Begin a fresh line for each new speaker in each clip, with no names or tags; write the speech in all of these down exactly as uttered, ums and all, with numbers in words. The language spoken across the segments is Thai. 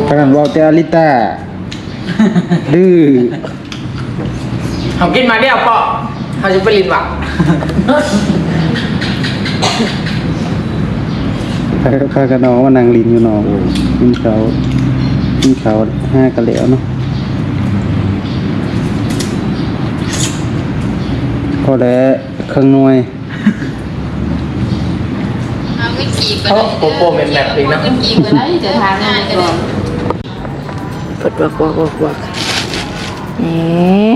ขนาดว่าแต่อลิต้าดื้อ
เขากินมาเดียวก็เขาจะไปลินหวัง
ข้ากับน้องว่านั่งลินอยู่น้องกินเขากินเขาห้ากันแล้วเนาะพอแล้วเครื่องหน่วย
เขาโปโปเป็นแบบนี้นะ
จะทานง่ายก่อนปวดวักวักวักวักนี่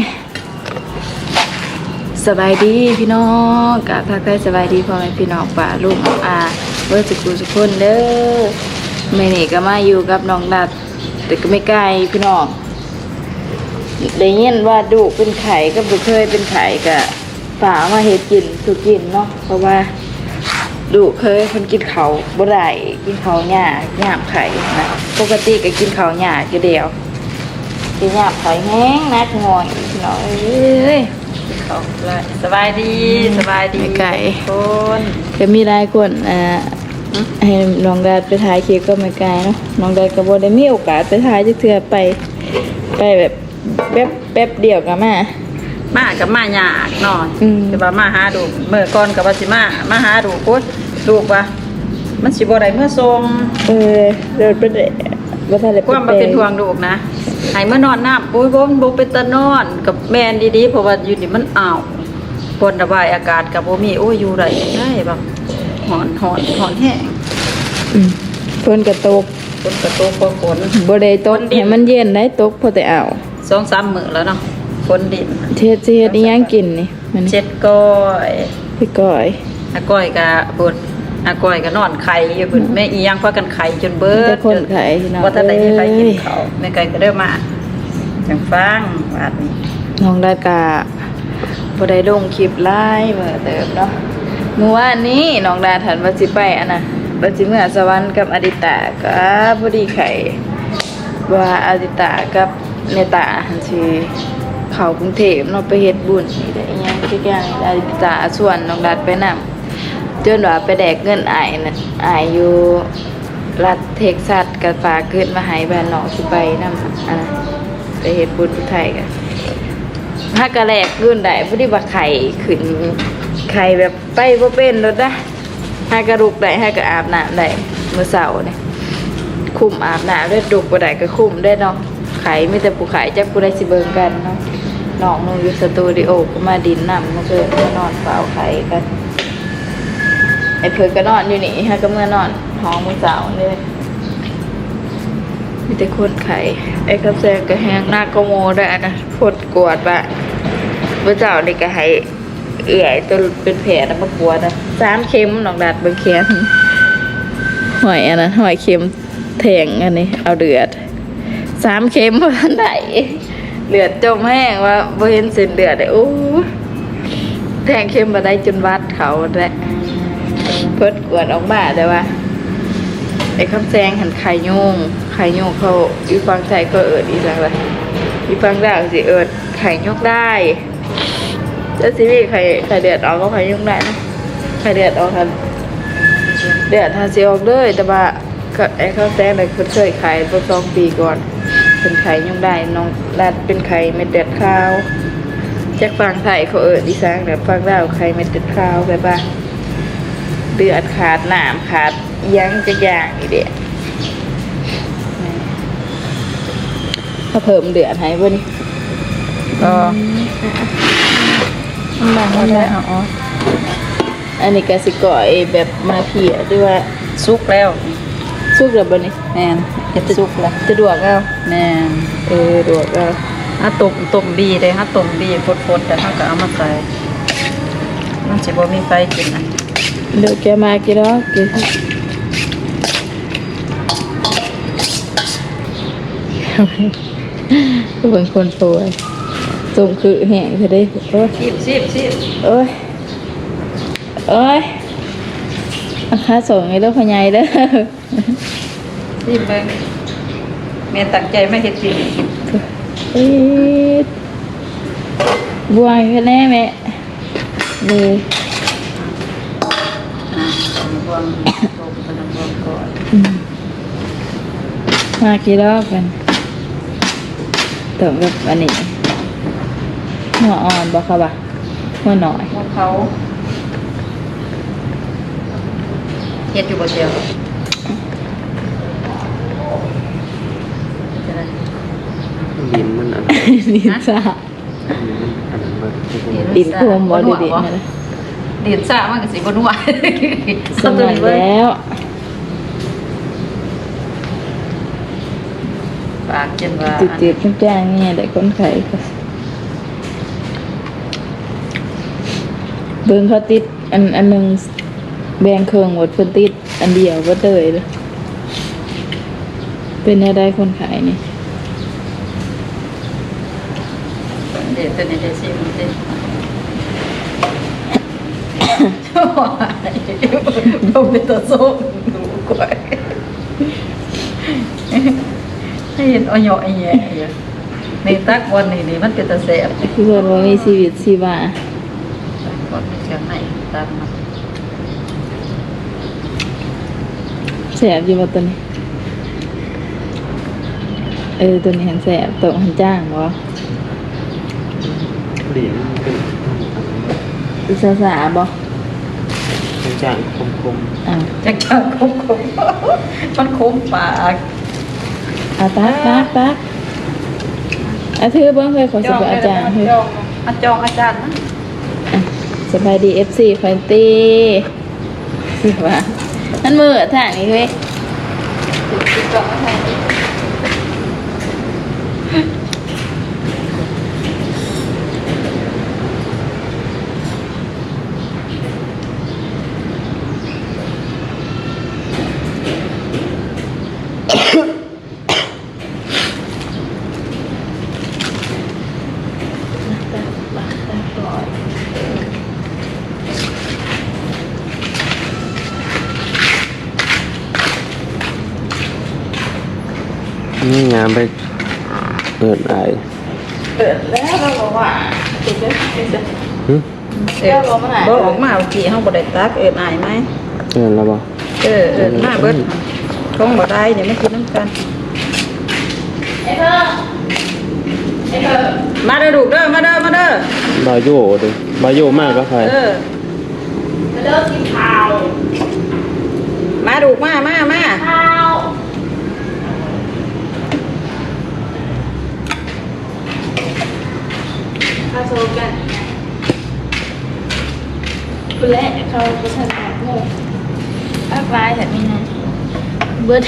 สบายดีพี่น้องกะทักทายสบายดีพ่อแม่พี่น้องป่าลูกอาเมื่อสุกุสุคนเด้อแม่นี่ก็มาอยู่กับน้องดัดแต่ก็ไม่ไกลพี่น้องได้ยินว่าดุเป็นไข่ก็บุเคยเป็นไข่กะฝามาเฮ็ดกินสุกินเนาะเพราะว่าดุเคยคนกินเขาบ่ได้กินเขาหญ้าหญ้าไข่นะปกติก็กินเขาหญ้าอยู่เดียวกินหญ้าไข่แห้งนักงอยพี่น้องเอ้ยเขาสบายดีสบายดีไก่คนจะมีหลายคนอ่าให้น้องดาไปถ่ายคลิปก็ไม่ไกลเนาะน้องดาก็บ่ได้มีโอกาสไปถ่ายจักเทื่อไปไปแบบแป๊บแป๊บเดียวก็มา
มากับมายากหน่อยแต่ว่ามาหาดูเมื่อก่อนกับว่าสิมามาหาดูโคตรดูว่ามันสิบ่ได้เมื่อทรง
เออเดินไปได้บ่ทันได้
ความบ่เป็นห่วงลูกนะให้เมื่อนอนน้ำปุ้ยบ่บ่เป็นตะนอนกับแม่นดีๆเพราะว่าอยู่นี่มันอ้าวปนระบายอากาศก็บ่มีโอ้ยอยู่ได้ได้บ่ฮ้อนฮ้อนฮ้อนแห้ง
อืมฝนก็ตก
ฝนก็ตกบ่ฝน
บ่ได้ตกให้มันเย็นได้ตกพอแต่เอา
สองสาม มื้อแล้วเนาะฝนดิน
เฮ็ดสิเฮ็ดอีหยังกินนี่
มันเจ็ดก้อย
พี่ก้อย
อาก้อยก็บ่อาก้อยก็นอนไข่อยู่พุ่นแม่อีหยังพากันไข่จนเบิด
จนไข่พี่น้อง
บ่ทันได้มีใครกินข้าวแม่ไก่ก็เด้อมาจังฟังบาดนี้
น้องได้กะบ่ได้ลงคลิปไลฟ์เมื่อเติมเนาะเมื่อวานนี้น้องดาถันว่าสิไปอันน่ะว่าสิเมื่อสวรรค์กับอดิตาก็บ่ดีไข่ว่าอดิตากับเนตาหันสิเข้ากรุงเทพเนาะไปเฮ็ดบุญนี่ได้อีหยังทุกอย่างอดิตาส่วนน้องดาไปนำจนว่าไปแดกเงินอ้ายน่ะอ้ายอยู่รัฐเท็กซัสก็ฝากเงินมาให้บ้านน้องสิไปนำอันน่ะไปเฮ็ดบุญที่ไทยก็ถ้ากะแลกเงินได้บ่ได้ว่าไข่ขึ้นไข่แบบไปบ่เป็นรถนะถ้ากระลุกได้ถ้าก็อาบน้ำได้มื้อเช้านี่คุมอาบน้ำได้ดุกบ่ได้ก็คุมได้เนาะไข่มีแต่ผู้ขายจักผู้ใดสิเบิ่งกันเนาะน้องหนูอยู่สตูดิโอก็มาดินนำมาเกิดมานอนเฝ้าไข่กันไอ้เพิ่นก็นอนอยู่นี่ฮะก็เมื่อนอนห้องมื้อเช้าเลยมีแต่คนไข่ไอ้กระแซงก็แห้งหน้าก็โมได้นะพดกวดบะเมื่อเจ้านี่ก็ให้เอื่อยตัวเป็นแผลนะมากวดนะสามเข็มน้องดัดเบิ่งแขนหอยอันนั้นหอยเข็มแทงอันนี้เอาเดือดสามเข็มว่าไหนเลือดจมแห้งว่าบ่เห็นเส้นเลือดเลยโอ้แทงเข็มมาได้จนวัดเขาแหละพดกวดออกมาแต่ว่าไอ้คำแซงหันไข่โยงไข่โยงเขาอีฟังใจก็เอิดอีแล้วเลยอีฟังได้สิเอิดไข่โยกได้แล้วสิพี่ไข่ไข่เดือดออกก็ไข่โยกได้นะไข่เดือดออกครับเดือดทาสิออกเลยแต่ว่าไอ้คำแซงเลยเคยไข่เมื่อสองปีก่อนเป็นไข่โยกได้น้องดัดเป็นไข่เม็ดเดือดข้าวแจ็คฟังไทยเขาเอิดอีสานแบบฟังได้ไข่เม็ดเดือดข้าวแบบว่าเดือดขาดหนามขาดยังจะย่างอีเดียถ้าเพิ่มเดือดให้บ่นี่ก็มันมันอ๋ออันนี้ก็สิก่อยแบบมาเพียด้วยว่า
สุกแล้ว
สุกแล้วบ่นี่
แม่นเฮ็ดสุกแล้ว
จะดวกเอา
แม่น
เออดวกเอา
ถ้าต้มต้มบีได้ถ้าต้มบีฟดๆแต่ถ้าก็เอามาใส่มันสิบ่มีไฟกินนะ
เดี๋ยวแกมากี่รอบกี่ก็เป็นคนสวยสมคือแห้งจะได้โอ้ย
ชิบชิบชิบ
โอ้ยโอ้ยอาคาส่งไอ้ลูกพญายเด้อ
ชิบเบิ่งแม่ตั้งใจไม่เฮ็ดจริง
เอ๊ะบัวแค่แน่แม่เลย
บวงต้มกระดองบวงก่อน
มากี่รอบกันเติมกับอันนี้หัวอ่อนบอกเขาปะหัวหน่อย
พวกเขาเฮ็ดอยู่บ่เดียวจะได้
ดินมันอัน
ดินซ่า
อันนั้นมัน
ดินโคมบ่ดีๆนะ
ดินซ่ามันก็สิบ่นัว
สมัยแล้ว
ปากจนว่า
จืดๆทุกอย่างเนี่ยแต่คนไข้ก็เบิ่งเขาติดอันอันหนึงแบ่งเครื่องหมดเพิ่นติดอันเดียวบ่เตยเลยเป็นแนวใดคนไข้นี่
เดี๋ยวตัวนี้จะสิมันสิโอ้ยบ่เป็นตัวส้มดูก่อยให้เห็นอ้อยๆแย่อยู่ในตักวันนี้นี่มันเป็นตาแซ่บ
คือเพิ่นว่ามีชีวิตชีวา
ก่อนมีเสียงไหนตามมา
แสบอยู่บ่ตัวนี้เออตัวนี้หันแสบตัวหันจ้างบ่
ดินเป็น
อีสาสาบ่
เป็นจางคม
อ่ะ
จักจังคมคมมันคมปาก
เอาตักตักตักอาถือเบิ่งเคยขอสิบอาจารย์เฮ้ย
อาจองอาจารย์นะ
อ่ะสบายดี เอฟ ซี ฟันตี้สิว่ามันมือทางนี้เว้ย
จองอาจารย์
ๆนี่งามไปเปิดไอ
เปิดแล้วเราบอกว่าติดเลยติดเลย
หึ
เออบ่ออกมาเมื่อกี้เฮาบ่ได้ตักเอิ้นอายไหม
เอิ้นแล้วบ่
เออเอิ้นมาเบิดคงบ่ได้เดี๋ยวไม่กินน้ำกัน
ไอ้เธอไอ้เธอ
มาเด้อลูกเด้อมาเด้อมาเด้อบ
าโยเด้บาโยมากก็ใคร
เออ
มาเลิกกินข้าว
มาลูกมามามา
ข้าวข้าวโซกันคุณแรกเขาประชันแบบโง่ภาคร้ายแบบนี้นะเบิร์ด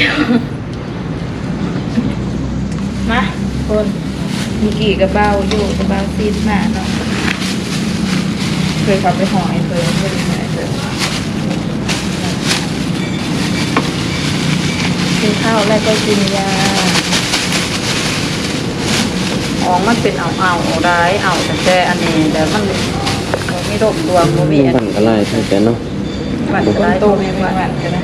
มาคนมีกี่กระเป๋าอยู่กระเป๋าซีดมาเนาะเคยขับไปหอยเคยไม่ได้ไหนเลยกินข้าวแล้วก็กินยา
อ๋อมันเป็นเอาเอาได้เอาแต่แต่อันนี้แต่มันบ่มีโรคตัวบ่มี
มัน
อัน
บั่นกระไรใช่แต่เนาะ
มัน
ค
ห
น
ลาย
โต
ตัว
ไม่
มี
ห
ว่า
วานกันนะ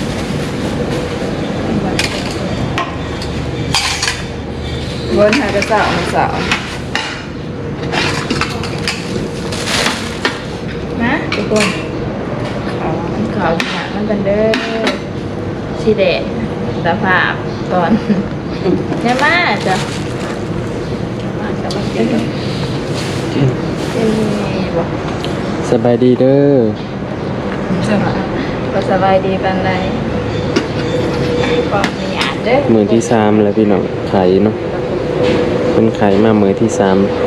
เวิร์นหากระสาวสาวนะทุกคนขาวขาวหนามันกันเด้อสีแดงสภาพตอนเนี่ยมาจ้ะมาจะมากินเอ้ยบอก
สบายดีเด้อ
จะมาก็สบายดีปันไรก็มีอ่านเด้อ
มือที่สามแล้วพี่น้องไข่เนาะเป็นไข่มามือที่สาม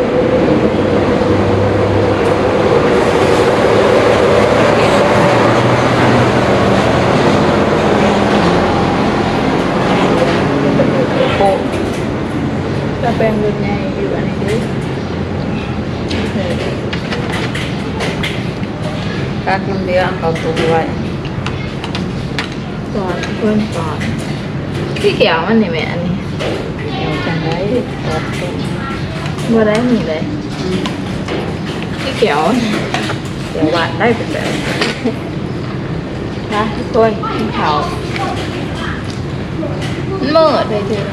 โอ้
ก็เป็นรุ่นใหญ่อยู่อันนี้ดิ
กักน้ำเดือดเอาตัวไว้
ก่อนเพิ่มก่อนสีเขียวมันนี่แม่อันนี้
เดี๋ยวจังได๋ตอดตัว
บ่ได้มีเลยสีเขียว
เดี๋ยวหวานได้เป็นแบบ
นะทุกคนกินข้าวมันมืดเลยเธอ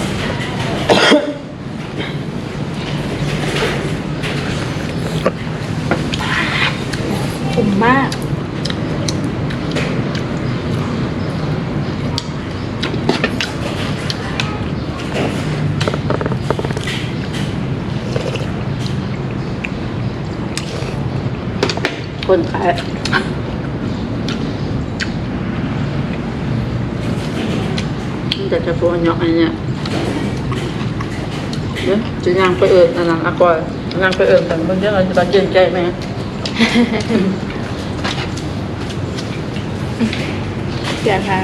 คุ้มมาก
คนขายมันจะจะปวดหยอกอะไรเนี่ยเดี๋ยวจะย่างไปเอิญอันนั้นอะก่อยย่างไปเอิญแต่บางทีเราจะตอนเย็นใจไหม
เสียค่ะ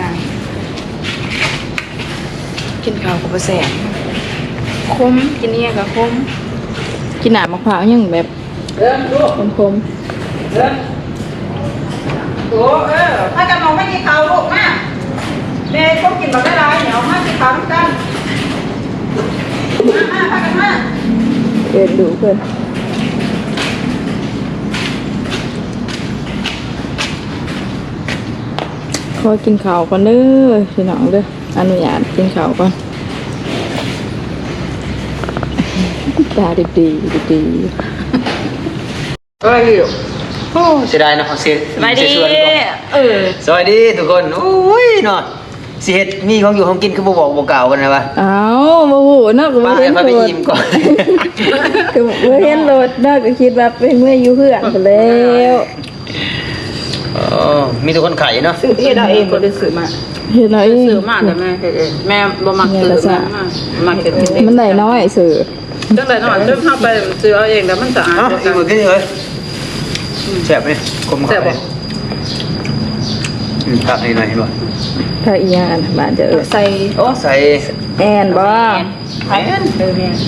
กินข้าวกับปลาแสงคมกินเนี่ยกับคมกินหนามมะพร้าวยังแบบ
เดินลูก
คมคม
เดินโอ้เออถ้าจะมองไม่กินข้าวลูกมาแม่ก็กินแบบได้ไรเหนียวมากินข้าวด้วยกันมามาพากันมา
ๆเดินดูเพื่อนขอกินข้าวก่อนเด้อพี่น้องเด้ออนุญาตกินข้าวก่อนตาดีดีดี
เอ้ยอยู่
โอ้เสียดายนะเสีย
สบายดี
เสีส่วนก่อน
เออ
สวัสดีทุกคนโอ้ยเนาะสิเฮ็ดมีของอยู่ของกินคือบ่บอกบ่กล่าวกันนะวะ
อ้าวโมโหเนาะก็
ป้า
บ่เห็น
ให้
โหล
ไป
ด
อิ่มก่อน
ก็บ่เห็นโหลดเนาะก็คิดว่าเป็นเมื่ออยู่เพื่อนไปแล้ว
อ๋อมีทุกคนไข่เนาะ
ซื้อเฮ็ดเอาเองก็ได้ซื้อมา
เห็นไหม
ซื้อมาแต่แม่เฮ็ดเองแม่บ่มักซื้อมามักเฮ็ดเอง
มันได้น้อยสื่อ
จังได๋เนาะจังเฮาไปซื้อเอาเองแล้วมันสะอาด
เอ้าก
ว่า
อีกมื้อกินเลยแซ่บนี่กลม
แซ่บบ่
อืมตักนี่หน่อยเห็นบ่
ถ้าอีหยังอันบ้านจะเอิ้น
ใส่
โอ้ใส่
แอนบ่
แม่นเออแม่น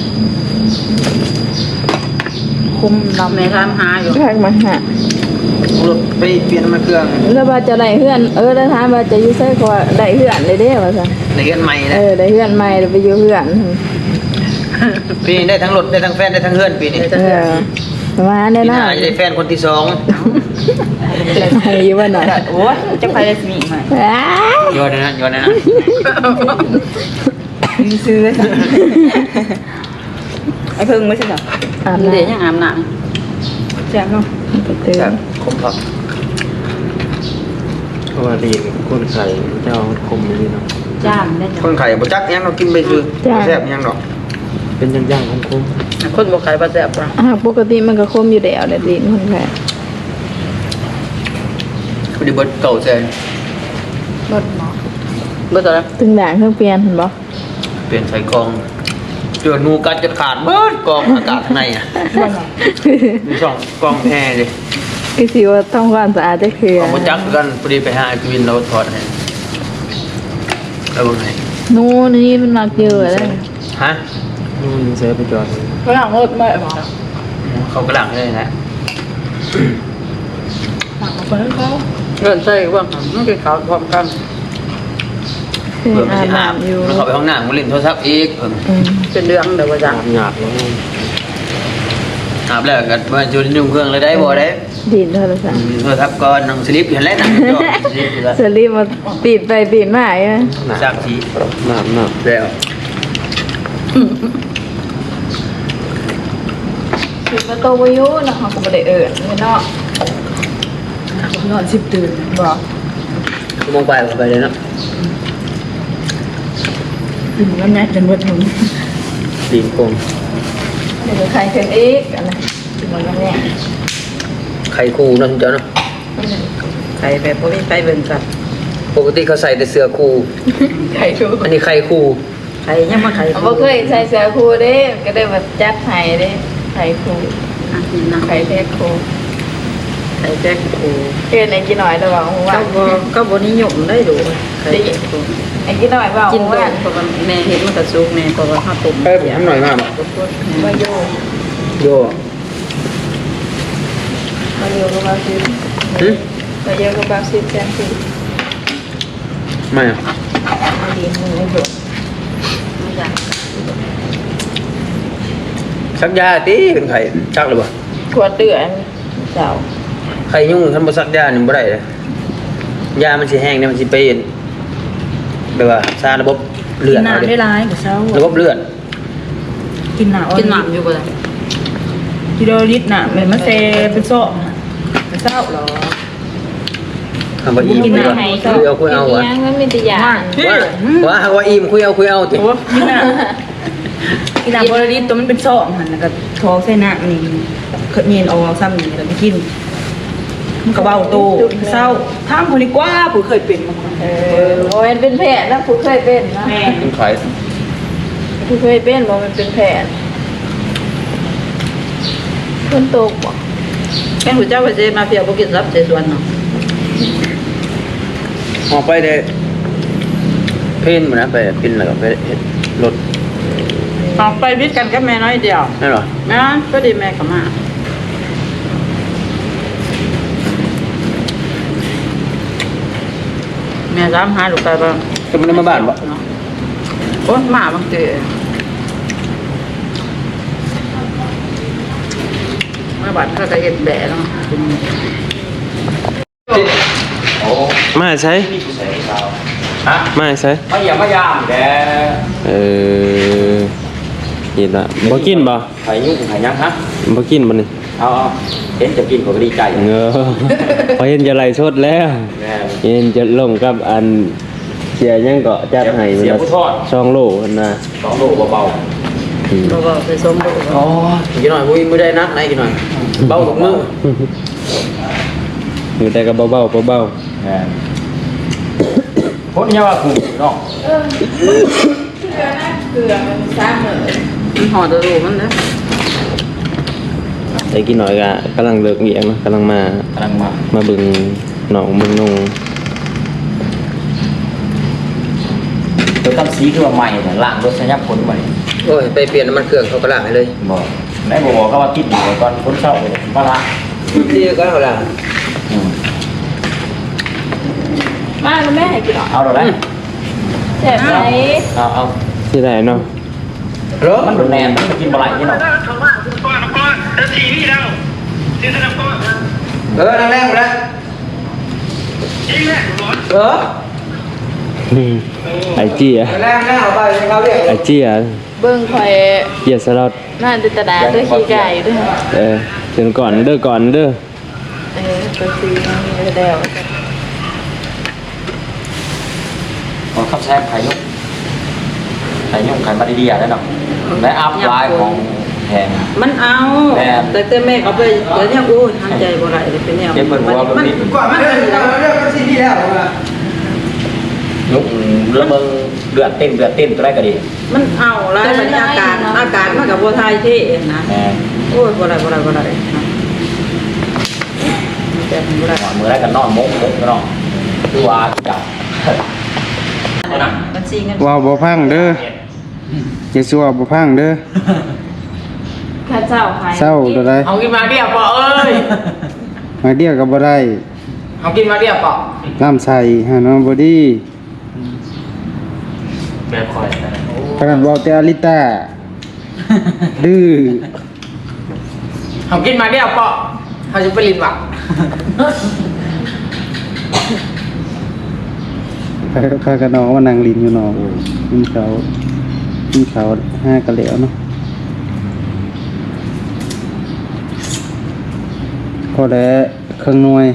คุมเราแม่ถามหาอยู่
ทางมาหา
รถไปเปลี่ยนน้ำมันเครื่อง
แล้วว่าจะได้เฮือนเออแล้วถามว่าจะอยู่ไสก็ว่าได้เฮือนเลยเด้ว่าซั่น
ในเรือนใหม่
เอ
นะ
อได้เฮือนใหม่แล้วไปอยู่เฮือน
ปีนี้ได้ทั้งรถได้ทั้งแฟนได้ทั้งเฮือนปีนี้
เออประมาณ
ปี
นี้
หน้า
เนาะ
จะได้แฟนคนที่สอง
ให้อยู่ว่าน่ะ
โอ้ยจะไปได้สิมีมา
อ้า
ย้อนนะย้อนนะ
ซื้อเลยไอ้เพิ่งไม่ใช่เหรอ
อาบ
เดี๋ยว
น้ำ
ยังอาบน้ำแซ่บเนาะ
ไปเตือ
แซ่
น
บคมครับ
เพราะว่าเรียนคนไข่เจ้าคมเลยเนาะ
จ้ามได้จ้ะ
คนไข่บ่จักยังเรากินไปซื้อบ่แซ่บยังดอก
เป็นย่างๆของคม
คนบ่ขายบ่แซ่บป่ะ
อ่าปกติมันก็คมอยู่แล้วแหละดินคนแค่
พอดีเบิดเก่าแซน
รถหมอบ่ต่อแล้ว
ถึงด่างเครื่องเปลี่ยนเห็นบ่
เปลี่ยนใส่กองเจองูกัดจนขาดเบิดกองอากาศข้างในอ่ะมีสองกองแอร์เลย
คือสิว่าต้องความสะอาดจะคือ
เอาบ่จักกันพอดีไปหาไอ้กวินเราถอดให้แล้วบ่ไหน
นู่นนี่มันมักเยอะเลย
ฮะ
นู่นเสียไปจอด
ฝรั่งรถไม่หรอ
เขากระหลังเลยนะ
เงินใส่ว่ามันกินข้าวพร้อมกัน
คือ
เพื่อมัน
อา
สิ
บ
อาบ
น้ำอยู่
มันเข้าไปห้องน้ำมันเล่นโทรศัพท์อีกเพิ่น
อืม
เป็นเรื่องเดี๋ยวว่าจัง
หยาบๆแล้ว
อาบแล้วก็มาจุดยุ่งเครื่องเลยได้บ่ได้
ดินโทรศัพท์
โทรศัพท์ก่อนนั่งสลิปอยู่แล้วนั่งจอสลิปอยู่แล้ว
สลีปมาปิดไปปิดมาอ่ะ
สักที
หนาบหนาบ
แล้ว
ปิดประตูวิวนะเขาก็ไม่ได้เอิญไม่นอกนอนสิบตื่นบอก
ชั่วโมงไปก็ไปเลยเนาะ
ถึงแล้วแม่จนว่าถึง
ตีนกลม
เดี๋ยวใครขึ้นอีกอันนั้นถึงวันแม่
ไข่คู่เนาะคุณเจ้าเนาะ
ใครแบบบ่มีไปเบิ่งกัน
ปกติเขาใส่แต่เสื้อคู่
ใครรู้
อันนี้ไข่คู่
ใครยังมาใคร
เขาบ่เคยใส่เสื้อครูเด้ก็ได้แบบจัดให้เด้ใครครู
อ่ะนี่นะ
ใครแท้ครู
ใครแจ๊กโอ้
เพื่อนไอ้กี่หน่อยระวังว่า
ก็บ่ก็บ่นิยมได้ดูใครแจ๊กโอ้
ไอ้กี่หน่อยว่า
กิน
ว่า
ด้วยเพราะว่าแม่เห็นมันก็สุกแม่เพราะว่าข้าวต้ม
เอ้ยผมทำหน่อยมาก
ว่าโย
โย่
ว่าโยก็บาซิล
หึ
ว่าโยก็บาซิลแซนซิ
ไม่อะ
มาดีมือโย
ไม่อยาก
ชักยาตีเป็นไข่ชักหรือเปล่า
ขวดเดือดเจ้า
ไข่ยุ่งทำบ่ซักยานี่บ่ได้เลยยามันสิแห้งเนี่ยมันสิไปแบบว่าซาระบบเลือดเอาดิ
ได้ร้ายกับเช้า
ระบบเลือด
กินหนาว
กินหนามอยู่บ่ล่ะ
กิโลลิตรน่ะเหมือนมะเซเป็นโซ่เศร้าหรอ
คำว่าอิ่มคุยเอาคุยเอาคุยเอาวะ
ยังมันมีแต่ยา
ว่าว่าหากว่าอิ่มคุยเอาคุยเอาติ
โอ้กินน่ะกินน้ำบริลิตตัวมันเป็นซองหันแล้วก็ทอใส่น้ำนี่เคยเย็นเอาซ้ำนี่แล้วไปกินมันก็เบาโตเศร้าทางคนนี้กว่าผู้เคยเป็นมาก่อน
เออโอ้ยเป็นแผลนะผู้เคยเป็นนะ
แม่
กินไข่
ผู้เคยเป็นบ่มันเป็นแผลคนโตกบ่
แม่หัวเจ้าหัวเจมาเฟียบ่กินรับเจส่วนเนาะ
ออกไปเด้เพ่นมานะไปพินแล้วก็ไปเฮ็ดรถ
ออกไปวิทย์กันกับแม่น้อยเดียว
นั่นเหรอ
แม่ก็ดีแม่ก็มาแม่ถามหาลูกไปบ้าง
จะมันได้มาบ้านบ่
เนาะโอ๊ยมาบางทีมาบ้านเขาก็เฮ็ดแบะเนาะ
โอ้
มาใช้
มีผู้ใส่ขาวฮะ
มาใช้
มาอย่ามายามแก
เออเห็นละบ่กินบ่
ไข่ยุ่งไข่ยักษ์ฮะ
บ่กินบ่นี่
เอาเอาเห็นจะกินผมก็ดีใจ
เงอพอเห็นจะไล่สดแล้ว
แม่
เห็นจะลงกับอันเสียยังก็จัดให้
เสียผู้ทอด
สองโลพุ่นน่ะ
สองโลเบา
อืม
เราก็ไปส้มดู
ๆอ๋อกินหน่อยมุ้ยมือได้นักไหนกินหน่อยเบาทุกมือ
อยู่แต่ก็เบาๆเบา
แม่พ้นยาว่ากูเนาะ
เออเกลือนะเกลือมันซ้ำเหมือน
มันห่อตัวรูมันนะ
ๆแต่กินหน่อยก็กำลังเลิกเรียนเนาะกำลังมาก
ำลังมา
มาเบิ่งน้องเบิ่งนุ่ง
ตัวตั้มสีคือว่าใหม่เนี่ยล่างรถสัญญาพ้นใหม่
โอ้ยไปเปลี่ยนน้ำมันเครื่องเขาก็ล้างให้เลย
บอกไหนบอกบอกเขาว่าติดอยู่ตอนพ้นเศร้าไปเลยว่าละ
ที่ก็เขาล้าง
อืม
มาแล้วแม่ให้กินหรอ
เอาหรอไหม
แซ่บไหม
เอาเอา
ที่ไหนเนาะ
เหรอ
มันโดนแนนมันกินปลาไหลนี่เนาะ
เออนั่งแรงหมดแล้วเออ
อืมไอเจีย
แรงแรงเอาไปเขาเรียก
ไอเจีย
เบิ่งข่อย
เจียสลัด
น่าจิตนาด้วยขี้ไก่ด้วย
เออเดี๋ยวก่อนเด้อก่อนเด้อ
เออตัวซีมันมีแล้ว
ขอขับแซมไข่ยุ่งไข่ยุ่งไข่มาดีๆได้เนาะและอัพไลน์ของแพง
มันเอา
แม่
แต่แต่แม่เขาไปเดี๋ยวเนี้โอ้ยทำใจบ่ได้เลยเป็นแนว
เก็บเปิดหัว
มัน
แบบนี้
ก่อนมันเป็นแล้ว
เรื่องมันซีนี่แล้ว
ยุกระเบิงเดือดเต้นเดือดเต้นตัวแรกก็ดี
มันเอาแล้วมันอาการอาการมันกับบัวไทยเท่นะ
แม่
โอ้ยบ่ได้บ่ได้บ่ได้แต่บ่ได้
มือแรกกันนอนมกมกกันเนาะคือว่าจับ
มันซีเงิน
ว้าวบ่พังเด้อเจสัวบ่พังเด้อ
ข้าเจ้าหาย
เศร้าตัวใด
เอากินมาเดียวปอเอ้ย
มาเดียวก็บ่ได้
เอากินมาเดียวปอ
น้ำใส่หาน้องบ่ดี
แบบคอย
ขนาดเว้าแต่อลิต้าดื้อ
เอากินมาเดียวปอเขาจะไปลินหวัง
ข้ากับน้องมานั่งลินอยู่น้องกินข้าวกินข้าวห้ากะแล้วเนาะพอแล้วเครื่องหน่วย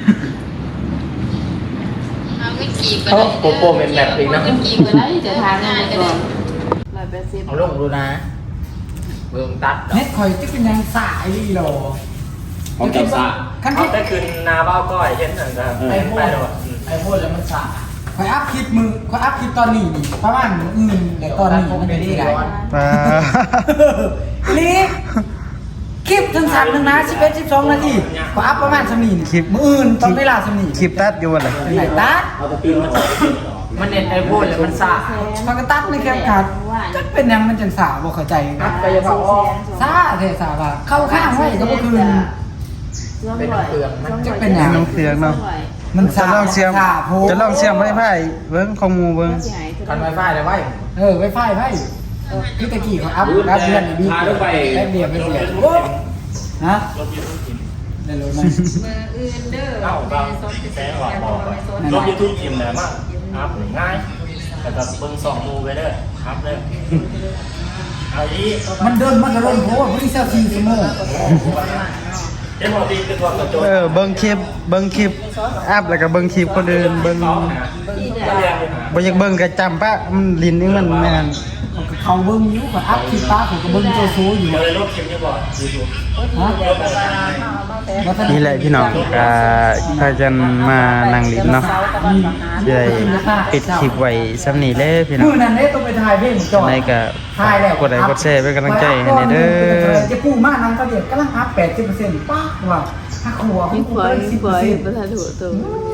เขาโปโปเป็นแบบอีกนะ
จะทานอะไรกันร้อยแปดสิบ
เอาลงดูนะเบิ่งตัด
เน็ตคอยจะเป็นยังสายดีหรอ
ของเจ้าซา
ขั้น
เขา
ที่
ได้คืนนาบ้าก้อยเช่นนั้นนะ
ไอ้โหดไอ้โหดแล้วมันสายคอยอัพคลิปมือคอยอัพคลิปตอนนี้นี่ประมาณมื้ออื่นแต่ตอนนี้มันไม่ได้ไง
ปลา
ลีคลิปทั้งสามทั้งนะสิบเอ็ดสิบสองนาทีคอยอัพประมาณสมีนคลิปมืออื่นตอนเวลาสมีน
คลิปตัดอยู่บ่ล่ะ
ไหนตัด
เอาตะปีนมาใส่
มันเน็ตไอโฟนแล้วมันสา
มันก็ตัดในแคปคัดจะเป็นยังมันจังสาบ่เข้าใจ
ตัดไปยังพอ
ซาเทสาว่าเข้าข้างไว้ก็บ่คืน
เป็นเปลือกมัน
จะเป็นยัง
น้องเสียงเนาะ
มัน
จะ
สา
ลองเสียม
สาโพ
จะลองเสียมไม้ไผ่เบิ่งของหมู่เบิ่ง
กันไวไฟเลยไว้
เออไวไฟไพ่พี่ตะกี้เขาอัพอัพเดือนนี้ดีแป๊บเดียวไปเสียฮะได้รู้ไหม
เอ้าก็แสงออกบอกไปลบยูทูบทีมเลยมากอัพง่ายแต่ก็เบิ่งสองมูไปเด้ออัพเลยเอาอี
มันเดินมันก็เดินเพราะว่าบริษัทสี่ชั่วโมง
เดี๋ยวพอดีคือความกระโจน
เออเบิ่งคลิปเบิ่งคลิปอัพแล้วก็เบิ่งคลิปคนอื่นเบิ่ง
ต้องหาเรียนหา
บ่อยากเบิ่งก็จำปะมันลิ้นนี่มันแม่น
เขาเบิ้งอยู่กับอัพคลิปป้าผมก็เบิ้งโจโซอยู่
เดี๋ยวเลยลบคลิปนี้ก่อนยูทูบ
ฮะ
นี่แหละพี่น้องอ่าพากันมานั่งลิ้นเนาะสิได้ปิดคลิปไว้ซ้ำนี้เลยพี่น้อ
มื
ง
อนั้นเด้ต้องไปถ่ายเพลงจอ
ในก็
ถ่ายแล้ว
กดไลค์กดแชร์เป็นกำลังใจให้แน่เด้อ
จะปูมากนั้นก็เดี๋ยวกำลังอัพแปดสิบเปอร์เซ็นต์ป้าว่าถ้าครัว
พี่
เขา
ฝอย
สิ
พี่
บ
ฝ
เปอ
อ
ร์
ย
เซ็นต์
ประธานหัวตัว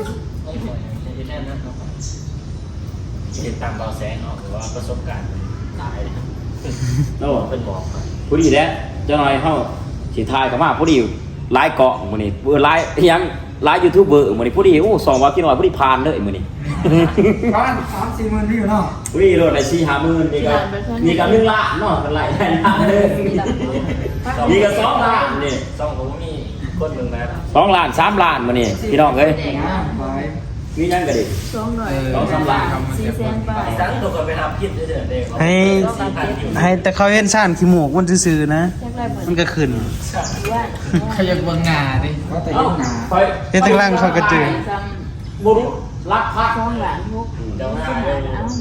ติดตามเบาแสงออกหรือว่าประสบการณ์ตายนะครับ
โอ้
เป็นบอกมา
ผู้ดีแล้วเจ้าหน่อยเฮาสิทายก็มาผู้ดีหลายเกาะมื้อนี้เบอร์หลายยังหลายยูทูบเบอร์มื้อนี้ผู้ดีโอ้สองว่าพี่น้อยผู้ดีผ่านเลยมื้อนี้
ประมาณสามสี่หมื่นวิวเนาะ
ผู้ดีโลดได้สี่ ห้าหมื่นนี่ก็นี่ก็หนึ่งล้านเนาะกันหลายล้านเลยนี่ก็สองล้านนี่
ซ่องผมมีคนหนึ่งนะ
สองล้านสามล้านมื้อนี้พี่น้องเอ้ย
งามไป
มียังก็ดิ
สองหน่อย
สองสามล้าน
สี่แสนบาท
ตั้งตัวกันไปทำพิษเดือดเด็ก
ให้ให้แต่เขาเห็นซ่านขี้หมูกมันซื่อๆนะ
แรกๆเหมือน
มันก็ขึ้น
ว่า
ขยับเบิ้งหน้าดิเขาแต่ยังหน้า
ไป
เฮ็ดทางล่างเขาก็จือ
บ่รู้รักพัก
สองหลานพวก
เดี๋ยวหน้า
เ
เลย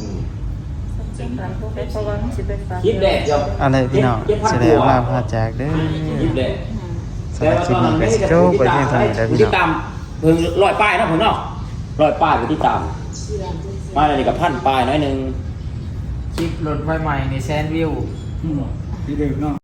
คิดแดดเดียว
อะไรพี่น้องแสดงว่าพาจากเด้อ
คิดแดด
สำหรับคลิปนี้ก็สิจบไปเพียงเท่านี้แล้วพี่
ติด
น้อง
ตามเพิ่งร้อยป้ายนะผมเนาะร้อยป้ายไปที่ตามป้ายอะไรนี่กับพันป้ายน้อยหนึง
คลิปรถไฟใหม่ในแซนวิวพี่เด็กเนาะ